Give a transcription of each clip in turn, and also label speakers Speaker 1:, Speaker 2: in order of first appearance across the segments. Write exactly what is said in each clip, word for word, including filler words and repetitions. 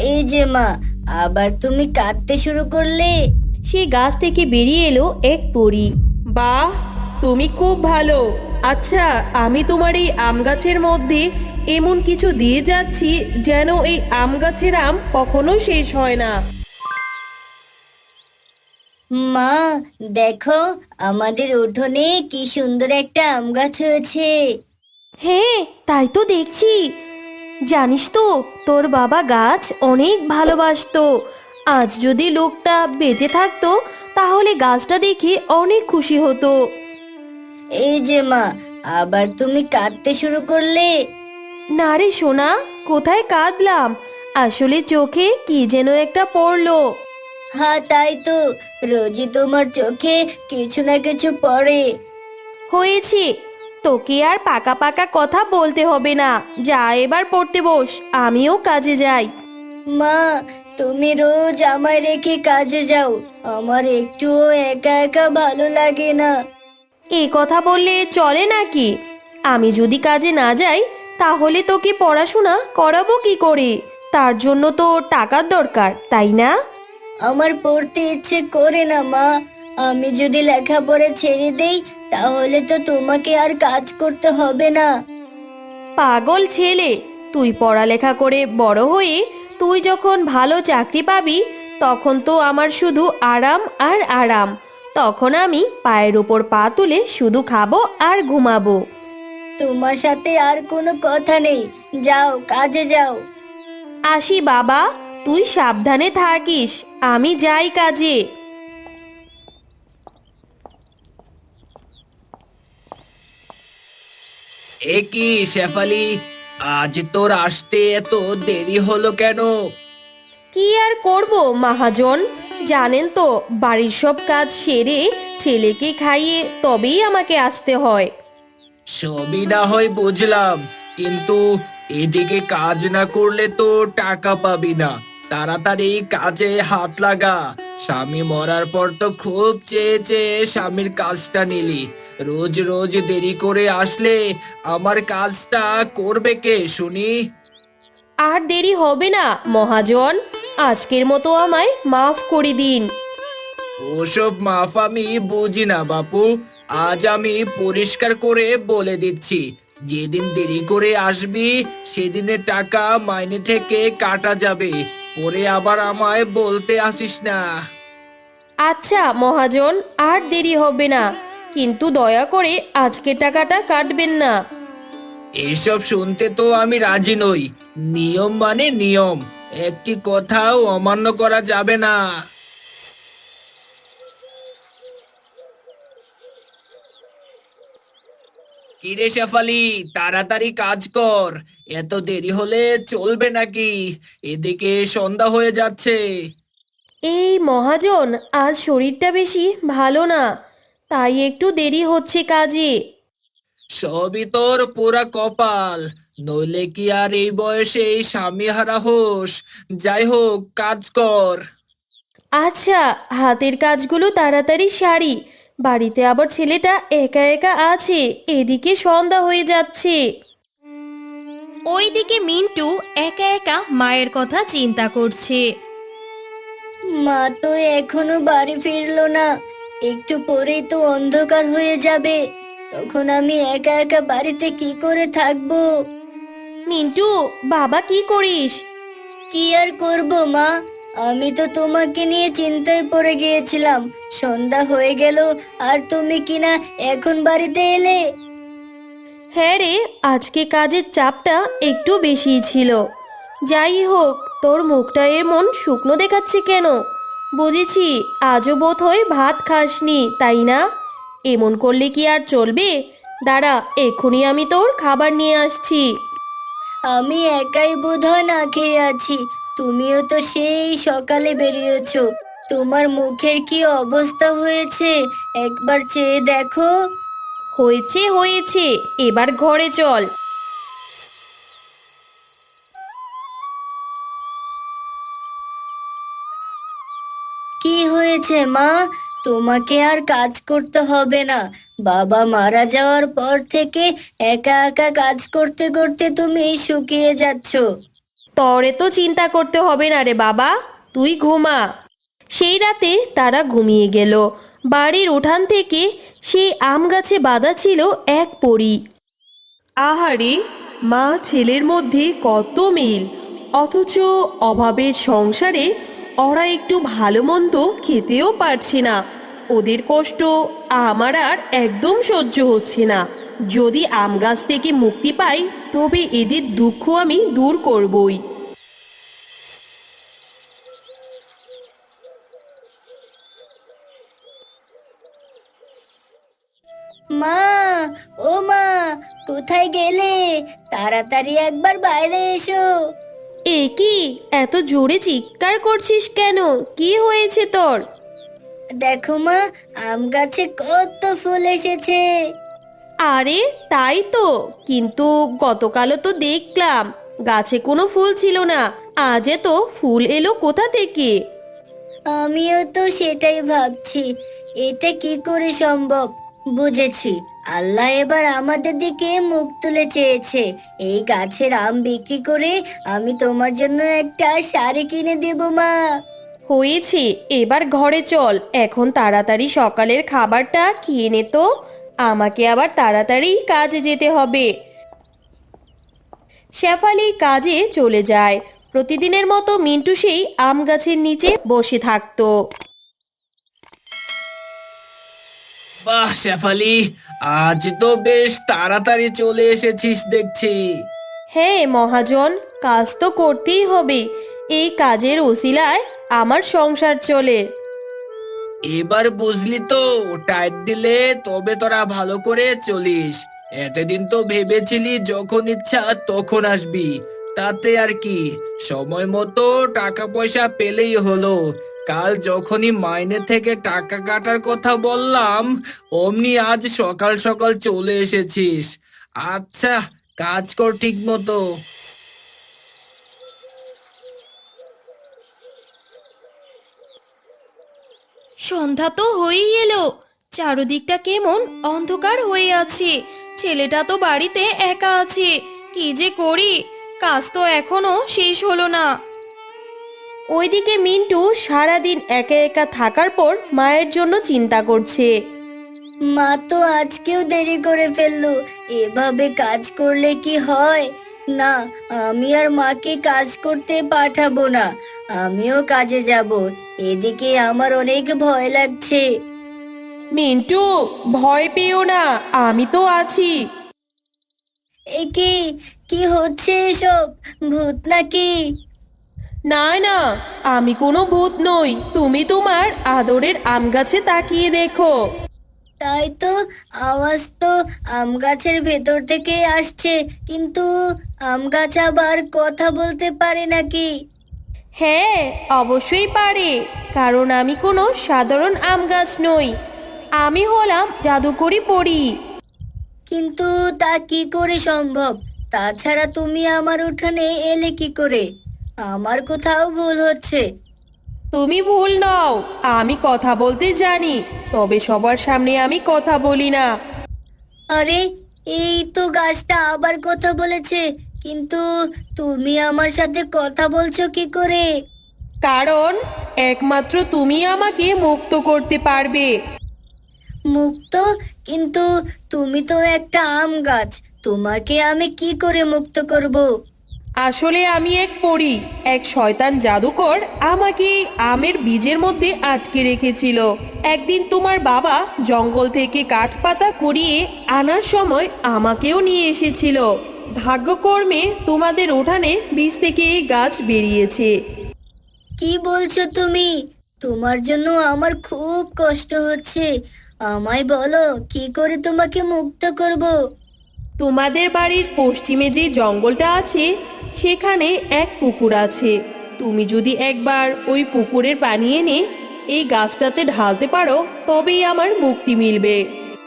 Speaker 1: এই যে মা, আবার তুমি কাঁদতে শুরু করলে।
Speaker 2: সে গাছ থেকে বেরিয়ে এলো এক পরী।
Speaker 3: বাহ, তুমি খুব ভালো। আচ্ছা, আমি তোমার এই আম গাছের মধ্যে এমন কিছু দিয়ে যাচ্ছি যেন এই আম গাছের আম কখনো শেষ হয় না।
Speaker 1: মা, দেখো, আমাদের উঠোনে কি সুন্দর একটা আম গাছ হয়েছে।
Speaker 2: হ্যাঁ, তাই তো দেখছি। জানিস তো, তোর বাবা গাছ অনেক ভালোবাসতো। আজ যদি লোকটা বেঁচে থাকতো তাহলে গাছটা দেখে অনেক খুশি হতো।
Speaker 1: এই যে মা, আবার তুমি কাঁদতে শুরু করলে।
Speaker 2: না রে সোনা, কোথায় কাঁদলাম? আসলে চোখে কি যেন একটা পড়লো।
Speaker 1: হ্যাঁ, তাই তো, রোজই তোমার চোখে কিছু না কিছু পড়ে।
Speaker 2: হয়েছে, তোকে আর পাকা পাকা কথা বলতে হবে না। যা এবার পড়তে বস, আমিও কাজে যাই।
Speaker 1: মা, তুমি রোজ আমায় রেখে কাজে যাও, আমার একটুও একা একা ভালো লাগে না।
Speaker 2: এই কথা বললে চলে নাকি? আমি যদি কাজে না যাই তাহলে তোকে পড়াশোনা করাবো কি করে? তার জন্য তো টাকার দরকার, তাই না?
Speaker 1: আমার পড়তে ইচ্ছে করে না মা। আমি যদি লেখাপড়া ছেড়ে দেই তাহলে তো তোমাকে আর কাজ করতে হবে না।
Speaker 2: পাগল ছেলে, তুই পড়ালেখা করে বড় হয়ে তুই যখন ভালো চাকরি পাবি তখন তো আমার শুধু আরাম আর আরাম। তখন আমি পায়ের উপর পা তুলে শুধু খাবো আর ঘুমাবো।
Speaker 1: তোমার সাথে আর কোনো কথা নেই, যাও কাজে যাও।
Speaker 2: আসি বাবা, তুই সাবধানে থাকিস। আমি যাই কাজে।
Speaker 4: এ কি শেফালি, আজ তোর আসতে এত দেরি হলো কেন?
Speaker 2: কি আর করব মহাজন, জানেন তো বাড়ির সব কাজ সেরে ছেলেকে খাইয়ে তবেই আমাকে আসতে হয়।
Speaker 4: সবই না হয় বুঝলাম, কিন্তু এদিকে কাজ না করলে তো টাকা পাবি না। তাড়াতাড়ি কাজে হাত লাগা। স্বামী মরার পর তো খুব চেয়ে চেয়ে স্বামীর কাজটা নিলি। রোজ রোজ দেরি করে আসলে আমার কাজটা করবে কে শুনি?
Speaker 2: আর দেরি হবে না মহাজন, আজকের মতো আমায় মাফ করে দিন।
Speaker 4: ওসব মাফ আমি বুঝি না বাপু। আজ আমি পরিষ্কার করে বলে দিচ্ছি, যেদিন দেরি করে আসবি সেদিনের টাকা মাইনে থেকে কাটা যাবে। পরে আবার আমায় বলতে আসিস না।
Speaker 2: আচ্ছা মহাজন, আর দেরি হবে না, কিন্তু দয়া করে আজকের টাকাটা কাটবেন না।
Speaker 4: এসব শুনতে তো আমি রাজি নই। নিয়ম মানে নিয়ম, একটি কথাও অমান্য করা যাবে না। কিরে শেফালি, তাড়াতাড়ি কাজ কর। এত দেরি হলে চলবে নাকি? এদিকে সন্ধ্যা হয়ে যাচ্ছে।
Speaker 2: এই মহাজন, আজ শরীরটা বেশি ভালো না, তাই একটু দেরি হচ্ছে কাজে।
Speaker 4: সবই তোর পুরা কপাল, নইলে কি আর এই বয়সে এই স্বামী হারা হোস? যাই হোক, কাজ কর।
Speaker 2: আচ্ছা, হাতের কাজগুলো তাড়াতাড়ি সারি, বাড়িতে আবার ছেলেটা একা একা আছে, এদিকে সন্ধ্যা হয়ে যাচ্ছে। ওইদিকে মিন্টু একা একা মায়ের কথা চিন্তা করছে।
Speaker 1: মা তো এখনো বাড়ি ফিরলো না, একটু পরেই তো অন্ধকার হয়ে যাবে। তখন আমি একা একা বাড়িতে কি করে থাকবো?
Speaker 2: মিন্টু, বাবা কি করিস?
Speaker 1: কি আর করব মা, আমি তো তোমাকে নিয়ে চিন্তায় পড়ে গিয়েছিলাম। সন্ধ্যা হয়ে গেল আর তুমি কিনা এখন বাড়িতে এলে।
Speaker 2: হ্যাঁ রে, আজকে কাজের চাপটা একটু বেশিই ছিল। যাই হোক, তোর মুখটা এমন শুকনো দেখাচ্ছে কেন? বুঝেছি, আজও বোধ হয় ভাত খাসনি, তাই না? এমন করলে কি আর চলবে? দাঁড়া, এক্ষুনি আমি তোর খাবার নিয়ে আসছি।
Speaker 1: আমি একাই বোধহয় না খেয়ে আছি। তুমিও তো সেই সকালে বেরিয়েছো, তোমার মুখের কি অবস্থা হয়েছে একবার চেয়ে দেখো।
Speaker 2: হয়েছে হয়েছে, এবার ঘরে চল।
Speaker 1: কি হয়েছে মা? তোমাকে আর কাজ করতে হবে না। বাবা মারা যাওয়ার পর থেকে একা একা কাজ করতে করতে তুমি শুকিয়ে যাচ্ছ।
Speaker 2: তরে তো চিন্তা করতে হবে না রে বাবা, তুই ঘুমা। সেই রাতে তারা ঘুমিয়ে গেল। বাড়ির উঠান থেকে সেই আম গাছে বাঁধা ছিল এক পরী।
Speaker 3: আহারে, মা ছেলের মধ্যে কত মিল, অথচ অভাবের সংসারে ওরা একটু ভালো মন্দ খেতেও পারছে না। ওদের কষ্ট আমার আর একদম সহ্য হচ্ছে না। যদি আম গাছ থেকে মুক্তি পাই তবে এদের দুঃখ আমি দূর করবই।
Speaker 1: মা, ও মা, কোথায় গেলে? তাড়াতাড়ি একবার বাইরে এসো।
Speaker 2: এ কি, এত জোরে চিৎকার করছিস কেন? কি হয়েছে তোর?
Speaker 1: দেখো মা, আম গাছে কত ফুল এসেছে।
Speaker 2: আরে তাই তো, কিন্তু গতকালও তো দেখলাম গাছে কোনো ফুল ছিল না, আজ তো ফুল এলো কোথা থেকে?
Speaker 1: আমিও তো সেটাই ভাবছি, এটা কি করে সম্ভব। বুঝেছি, আল্লাহ এবার আমাদের দিকে মুখ তুলে চেয়েছে। এই গাছের আম বিক্রি করে আমি তোমার জন্য একটা শাড়ি কিনে দেব মা।
Speaker 2: হয়েছে, এবার ঘরে চল। এখন তাড়াতাড়ি সকালের খাবারটা খেয়ে নে তো, আমাকে আবার তাড়াতাড়ি কাজে যেতে হবে। শেফালি কাজে চলে যায়। প্রতিদিনের মতো মিন্টু সেই আম গাছের নিচে বসে থাকতো।
Speaker 4: বাহ শেফালি, আজ তো বেশ তাড়াতাড়ি চলে এসেছিস দেখছি।
Speaker 2: হ্যাঁ মহাজন, কাজ তো করতেই হবে, এই কাজের ওসিলায় আমার সংসার চলে।
Speaker 4: এবার বুঝলি তো, টাইট দিলে তবে তোরা ভালো করে চলিস। এতদিন তো ভেবেছিলি যখন ইচ্ছা তখন আসবি, তাতে আর কি, সময় মতো টাকা পয়সা পেলেই হলো। কাল যখনই মাইনে থেকে টাকা কাটার কথা বললাম, অমনি আজ সকাল সকাল চলে এসেছিস। আচ্ছা, কাজ কর ঠিক মতো।
Speaker 2: সন্ধ্যা তো হয়েই এলো, চারদিকটা কেমন অন্ধকার হয়ে আছে। ছেলেটা তো বাড়িতে একা আছে, কি যে করি, কাজ তো এখনো শেষ হলো না। ওইদিকে মিন্টু সারাদিন একা একা থাকার পর মায়ের জন্য চিন্তা করছে।
Speaker 1: মা তো আজকেও দেরি করে ফেললো। এভাবে কাজ করলে কি হয়? না, আমি আর মাকে কাজ করতে পাঠাবো না। আমিও কাজে যাব। এদিকে আমার অনেক ভয় লাগছে।
Speaker 3: মিন্টু, ভয় পেও না, আমি তো আছি।
Speaker 1: এ কি, কি হচ্ছে এসব? ভূত নাকি?
Speaker 3: না না, আমি কোনো ভূত নই। তুমি তোমার আদরের আম গাছে তাকিয়ে দেখো।
Speaker 1: তাই তো, আওয়াজ তো আম গাছের ভেতর থেকে আসছে, কিন্তু আম গাছ আবার কথা বলতে পারে নাকি?
Speaker 2: হ্যাঁ, অবশ্যই পারে, কারণ আমি কোনো সাধারণ আম গাছ নই, আমি হলাম জাদুকরি পরী।
Speaker 1: কিন্তু তা কি করে সম্ভব? তাছাড়া তুমি আমার উঠানে এলে কি করে? আমার কোথাও ভুল হচ্ছে।
Speaker 3: তুমি ভুল নও, আমি কথা বলতে জানি, তবে সবার সামনে আমি কথা বলি না।
Speaker 1: আরে, এই তো গাছটা আবার কথা বলেছে, কিন্তু তুমি আমার সাথে কথা বলছো কি করে?
Speaker 3: কারণ একমাত্র তুমি আমাকে মুক্ত করতে পারবে।
Speaker 1: মুক্ত? কিন্তু তুমি তো একটা আম গাছ, তোমাকে আমি কি করে মুক্ত করব?
Speaker 3: আসলে আমি এক পরী, এক শয়তান জাদুকর আমাকে আমের বীজের মধ্যে আটকে রেখেছিল। একদিন তোমার বাবা জঙ্গল থেকে কাঠ পাতা কুড়িয়ে আনার সময় আমাকেও নিয়ে এসেছিল। ভাগ্যকর্মে তোমাদের উঠানে বীজ থেকে এই গাছ বেরিয়েছে।
Speaker 1: কি বলছো তুমি? তোমার জন্য আমার খুব কষ্ট হচ্ছে। আমায় বলো, কি করে তোমাকে মুক্ত করব?
Speaker 3: তোমাদের বাড়ির পশ্চিমে যে জঙ্গলটা আছে সেখানে এক পুকুর আছে। তুমি যদি একবার ওই পুকুরের পানি এনে এই গাছটাতে ঢালতে পারো তবেই আমার মুক্তি মিলবে।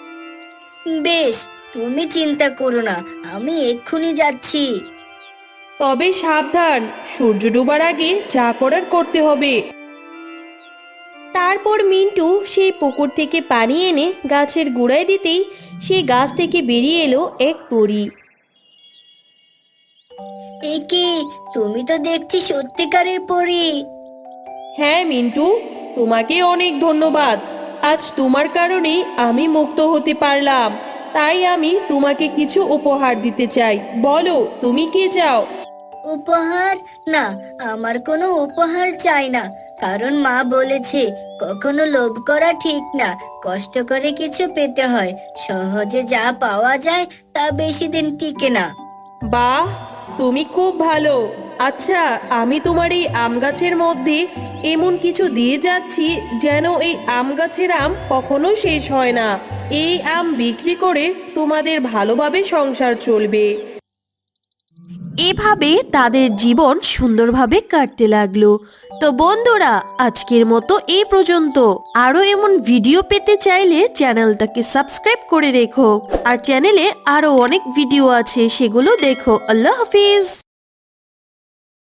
Speaker 1: বেশ, তুমি চিন্তা করো না, আমি এক্ষুনি যাচ্ছি।
Speaker 3: তবে সাবধান, সূর্য ডোবার আগে যা করার করতে হবে।
Speaker 2: তারপর মিন্টু সেই পুকুর থেকে পানি এনে গাছের গোড়ায় দিতেই সেই গাছ থেকে বেরিয়ে এলো এক পরী।
Speaker 1: এ কি, তুমি তো দেখছি সত্যিকারের পরী।
Speaker 3: হ্যাঁ মিন্টু, তোমাকে অনেক ধন্যবাদ। আজ তোমার কারণেই আমি মুক্ত হতে পারলাম। তাই আমি তোমাকে কিছু উপহার দিতে চাই। বলো তুমি কি চাও?
Speaker 1: উপহার? না, আমার কোনো উপহার চাই না। কারণ মা বলেছে কখনো লোভ করা ঠিক না, কষ্ট করে কিছু পেতে হয়। সহজে যা পাওয়া যায় তা বেশি দিন টিকে না।
Speaker 3: বাহ, তুমি খুব ভালো। আচ্ছা, আমি তোমার এই আম গাছের মধ্যে এমন কিছু দিয়ে যাচ্ছি যেন এই আম গাছের আম কখনো শেষ হয় না। এই আম বিক্রি করে তোমাদের ভালোভাবে সংসার চলবে।
Speaker 2: এভাবে তাদের জীবন সুন্দরভাবে কাটতে লাগলো। তো বন্ধুরা, আজকের মতো এই পর্যন্ত। আরো এমন ভিডিও পেতে চাইলে চ্যানেলটাকে সাবস্ক্রাইব করে রেখো। আর চ্যানেলে আরো অনেক ভিডিও আছে, সেগুলো দেখো। আল্লাহ হাফিজ।